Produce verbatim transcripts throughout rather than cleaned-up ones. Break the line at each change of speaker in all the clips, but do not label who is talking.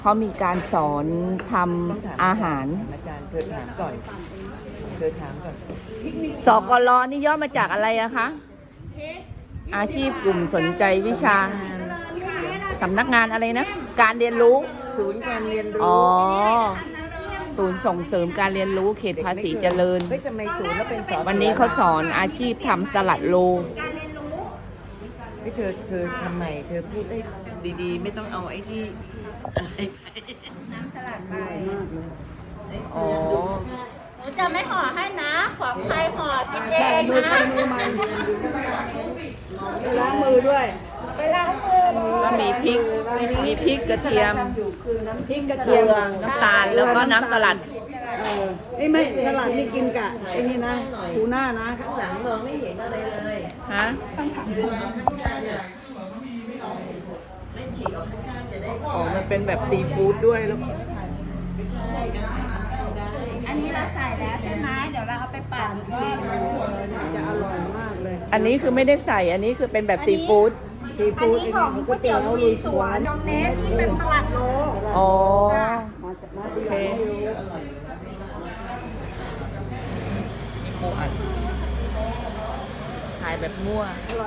เขามีการสอนทำอาหาร
อาจารย์เธอถามก่อนเธอถามก่อน
สกลนี่ย่อมาจากอะไรอะคะอาชีพกลุ่มสนใจวิชาสำนักงานอะไรนะการเรียนรู้
ศูนย์การเรียนรู้
อ๋อศูนย์ส่งเสริมการเรียนรู้เขตภาษีเจริญวันนี้เขาสอนอาชีพทำสลัดโล
ให้เธอเธอทำใหม่เธอพูดได้ดีๆไม่ต้องเอาไอ้ที่
น้ำสลัดใบ
อ๋อ
หนูจะไม่ห่อให้นะของใครห่อกินเองนะ
ล้างมือด้วย
ไปล้างมือ
แล้วมีพริกมีพริกกระเทียมพริกกระเทียมน้ำตาลแล้วก็น้ำสลัด
นี่ไม่สลัดนี่กินกะไอ้นี่นะทูน่านะ
ข้างหลังมองไม่เห็นอะไรเลย
ฮะอ๋อมันเป็นแบบซีฟู้ดด้วยแล้ว
อันนี้เราใส่แล้วใช่ไหมเดี๋ยวเราเอาไปปั่นก็
จะอร่อยมากเลย
อันนี้คือไม่ได้ใส่อันนี้คือเป็นแบบซีฟู้ด
ซีฟู้ด
อันนี้ของก๋วยเตี๋ยวลุยสวนดองเนสนี่เป็นสลัดโล
อ๋อ
โอเค
ขายแบบมั่ว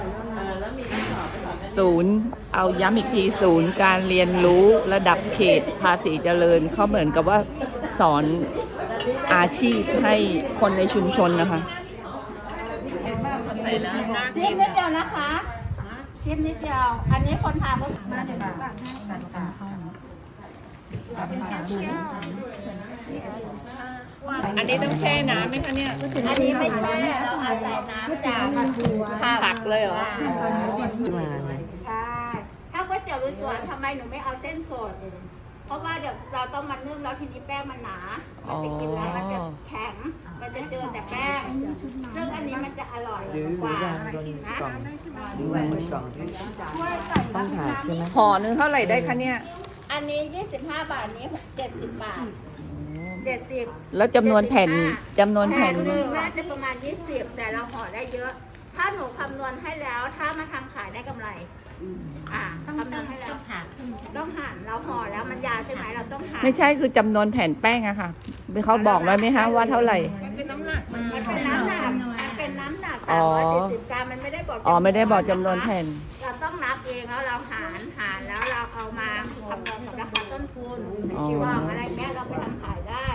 ศูนย์เอาย้ำอีกทีศูนย์การเรียนรู้ระดับเขตภาษีเจริญเขาเหมือนกับว่าสอนอาชีพให้คนในชุมชนนะคะ
จิ้มนิดเดียวนะคะจิ้มนิดเดียวอันนี้คนทำก็มาเดี๋ยวเราตักให้ตักตักเข้า
อันนี้ต้องแช่น้ำไหมคะเนี่ย
อันนี้ไม่แช่เราอาศัยน้ำจาก
ผักเลยเหรอ
ใช่ถ้าก๋วยเตี๋ยวลุยสวนทำไมหนูไม่เอาเส้นสดเพราะว่าเดี๋ยวเราต้องมานึ่งแล้วทีนี้แป้งมันหนามันจะกินแล้วมันจะแข็งมันจะเจอแต่แป้งซึ่งอันนี้มันจะอร่อยกว่านะ
ต้องถ่ายใช่ไหม
ห่อนึงเท่าไหร่ได้คะเนี่ย
อันนี้ยี่สิบห้าบาทนี้เจ็ดสิบบาทเจ็ดสิบ
แล้วจำนวนแผ่นจำนวนแผ่น
หนึ่งน่าจะประมาณยี่สิบแต่เราห่อได้เยอะถ้าหนูคำนวณให้แล้วถ้ามาทำขายได้กำไรอ่าคำนวณให้แล้วต้องหั่นเราห่อแล้วมันยาวใช่ไหมเราต้องหั่น
ไม่ใช่คือจำนวนแผ่นแป้งอะค่ะเขาบอกไว้ไหมคะว่าเท่าไหร่
มันเป็นน้ำหนักมันเป็นน้ำหนักมันเป็นน้ำหนักสามร้อยสี่สิบกรัมมันไม่ได้บอก
อ๋อไม่ได้บอกจำนวนแผ่น
เราต้องนับเองแล้วเราหารหารแล้วเราเอามาคำนวณกับราคาต้นทุนที่ว่าอะไรแม่เราไปทำขายได้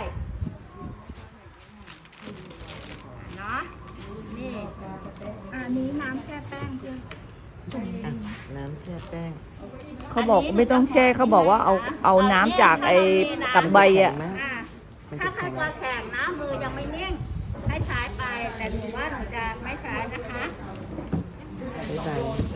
เนาะนี่
อันนี้น้ำแช่แป้งคือ
น้ำแช่แป้ง
เขาบอกไม่ต้องแช่เขาบอกว่าเอาเอาน้ำจากไอ้กับใบอ่ะ
ถ้าใครตัวแข็งนะมือยังไม่นิ่งให้ใช้ไปแต่หนูว่าหนูจะไม่ใช้นะคะ
ไม่ใส่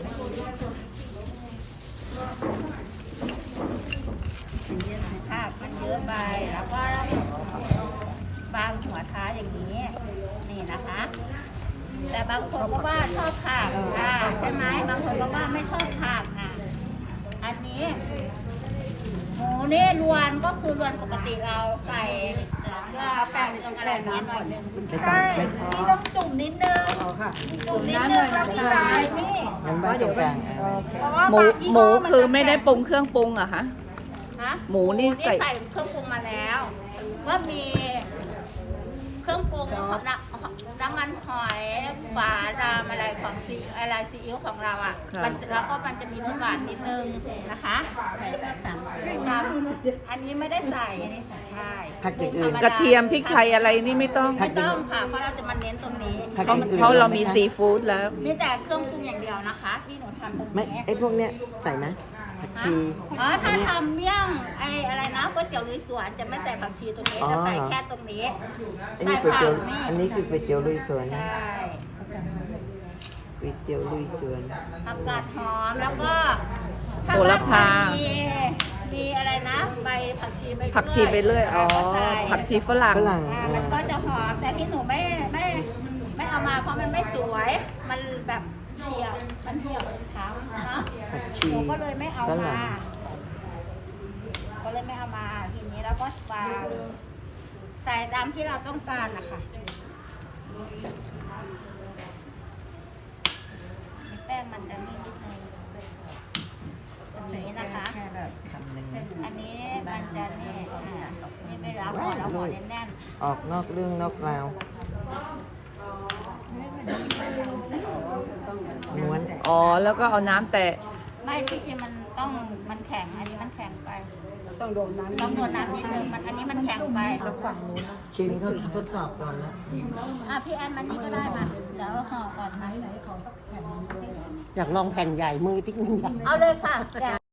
ค่ะมันเยอะไปแล้วก็บางหัวท้ายอย่างนี้นี่นะคะแต่บางคนก็ว่าชอบผักอ่าใช่ไหมบางคนก็ว่าไม่ชอบผักอ่ะอันนี้หมูนี่รวนก็คือรวนปกติเราใส่เกลือแป้งตรงอะไรนี้หน่อยนึง
ใช่นี่ต้องจุ่มนิดนึงจุ่มนิดนึงแล้วพี่จายนี่
เดี๋ยวแป้ง
หมูหมูคือไม่ได้ปรุงเครื่องปรุงอะคะ
ฮะ
หมูนี่ใส่
เครื่องปรุงมาแล้วว่ามีเครื่องปรุงน้ำน้ำมันหอยฝาดามอะไรของซีอะไรซีอิ๊วของเราอ่ะแล้วก็มันจะมีรสหวานนิดนึงนะคะอันนี้ไม่ได้ใส่ใช่
ผักอย่างอื่น
กระเทียมพริกไทยอะไรนี่ไม่ต้อง
ไม่ต้องค่ะเพราะเราจะมาเน้นตรงนี้
เพราะเรามีซีฟู้ดแล้ว
มีแต่เครื่องปรุงอย่างเดียวนะคะที่หนูทำตรงนี้
ไม่ไอ้พวกเนี้ยใส่ไหมผักชี
อ๋อถ้าทำเมี่ยงไอ้อะไรนะก๋วยเตี๋ยวลุยสวนจะไม่ใส่ผักชีตรงนี้จะใส่แค่ตรงนี้
ใส่ผักนี่อันนี้คือก๋วยเตี๋ยวลุยสวน
ใช่
ก๋วยเตี๋ยวลุยสวน
ผักกาดหอมแล้วก็
โหระพา
มีมีอะไรนะใบผักชีใบ
ผักชีไปเรื่อยอ๋อผักชีฝรั่ง
มันก็จะหอมแต่ที่หนูไม่ไม่ไม่เอามาเพราะมันไม่สวยมันแบบเหี่ยวมันเหี่ยวช้ำเนาะหนูก็เลยไม่เอามาก็เลยไม่เอามาทีนี้แล้วก็วางใส่ตามที่เราต้องการนะคะแป้งมันจะนี่นิดนึงแบบนี้นะคะ
แค่แบบคำหนึ่ง
อันนี้มันจะนี่อ่านี่เวลาห่อแล้วห่อแน่น
ออกนอกเรื่องนอกราวม้วน
อ๋อ แล้วก็เอาน้ำแตะ
ๆไม่ที่จริงมันต้องมันแข็งอันนี้มันแข็งไป
ต้องโดนน้ำ
ต้องโดนน้ำนิดนึงมันอันนี้มันแข็งไป
ชิมเขาทดสอบก่อนนะ
อ่ะพี่แอนมันนี่ก็ได้มาเดี๋ยวห่อก่อนนะ
อยากลองแผ่นใหญ่มือติ๊กนึงใหญ่
เอาเลยค่ะแกะ